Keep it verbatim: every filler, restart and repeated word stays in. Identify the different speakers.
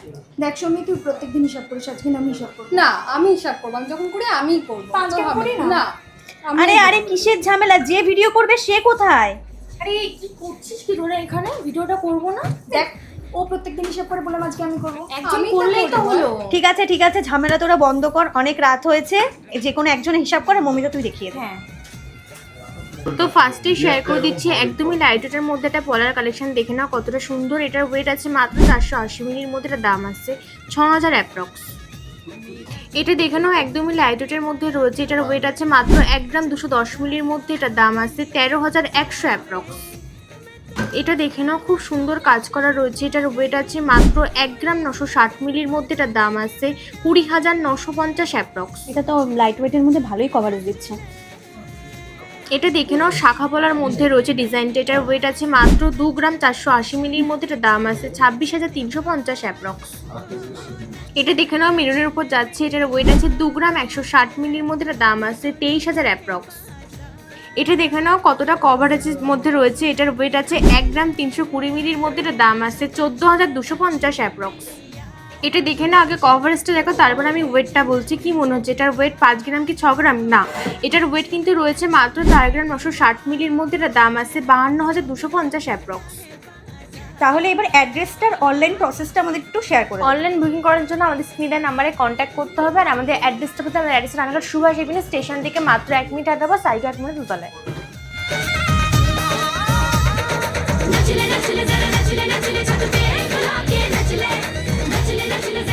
Speaker 1: দেখ সৌমি, তুই প্রত্যেকদিন হিসাব করিস, আজকে আমি হিসাব করবো।
Speaker 2: না, আমি হিসাব করবো, আমি যখন করি আমিই করবো।
Speaker 1: আজকে করি না।
Speaker 2: না,
Speaker 3: আরে আরে কিসের ঝামেলা, যে ভিডিও করবে সে কোথায়?
Speaker 1: আরে কি করছিস কি ধরে এখানে? ভিডিওটা করবো না? দেখ ও প্রত্যেকদিন হিসাব করে বললাম আজকে আমি করবো। একজন
Speaker 2: আমি
Speaker 1: করলেই তো
Speaker 2: করবো।
Speaker 1: হলো।
Speaker 3: ঠিক আছে ঠিক আছে, ঝামেলা তোরা বন্ধ কর, অনেক রাত হয়েছে, যে কোনো একজন হিসাব করে। মমিতা তুই দেখিয়ে দে।
Speaker 1: হ্যাঁ,
Speaker 4: তো ফার্স্টেই শেয়ার করে দিচ্ছি একদমই লাইট ওয়েটের মধ্যে একটা পলার কালেকশন দেখে নাও কতটা সুন্দর। এটার ওয়েট আছে মাত্র চারশো আশি মিলির মধ্যে, এটা দাম আসছে ছ হাজার অ্যাপ্রক্স। এটা দেখে নাও একদমই লাইট ওয়েটের মধ্যে রয়েছে, এটার ওয়েট আছে মাত্র এক গ্রাম দুশো দশ মিলির মধ্যে, এটার দাম আসছে তেরো হাজার একশো অ্যাপ্রক্স। এটা দেখে নাও খুব সুন্দর কাজ করা রয়েছে, এটার ওয়েট আছে মাত্র এক গ্রাম নশো ষাট মিলির মধ্যে, এটার দাম আসছে কুড়ি হাজার নশো পঞ্চাশ অ্যাপ্রক্স।
Speaker 3: এটা তো লাইট ওয়েটের মধ্যে ভালোই কভারেজ দিচ্ছে।
Speaker 4: এটা দেখে নাও শাখা পলার মধ্যে রয়েছে ডিজাইনটা, এটার ওয়েট আছে মাত্র দু গ্রাম চারশো আশি মিলির মধ্যে, এটার দাম আছে ছাব্বিশ হাজার তিনশো পঞ্চাশ অ্যাপ্রক্স। এটা দেখে নাও মেরুনের উপর যাচ্ছে, এটার ওয়েট আছে দু গ্রাম একশো ষাট মিলির মধ্যে, এটার দাম আছে তেইশ হাজার অ্যাপ্রক্স। এটা দেখে নাও কতটা কভারেজের মধ্যে রয়েছে, এটার ওয়েট আছে এক গ্রাম তিনশো কুড়ি মিলির মধ্যে, এটার দাম আছে চোদ্দো হাজার দুশো পঞ্চাশ অ্যাপ্রক্স। এটা দেখে না আগে কভারেজটা দেখো, তারপর আমি ওয়েটটা বলছি। কি মনে হচ্ছে এটার ওয়েট পাঁচ গ্রাম কি ছ গ্রাম? না, এটার ওয়েট কিন্তু রয়েছে মাত্র চার গ্রাম নশো ষাট মিলির মধ্যে, এটার দাম আছে বাহান্ন হাজার দুশো পঞ্চাশ অ্যাপ্রক্স।
Speaker 3: তাহলে এবার অ্যাড্রেসটার অনলাইন প্রসেসটা আমাদের একটু শেয়ার করে দাও।
Speaker 4: অনলাইন বুকিং করার জন্য আমাদের স্ক্রিনের নাম্বারে কন্ট্যাক্ট করতে হবে, আর আমাদের অ্যাড্রেসটা হচ্ছে আমাদের অ্যাড্রেসের রানাঘাট সুভাষ এভিনিউ স্টেশন থেকে মাত্র এক মিনিট আগে বা সাইড এক মিনিট দুতলায়।
Speaker 5: नचले नचले जरा नचले नचले छत पे गुलाब के नचले नचले नचले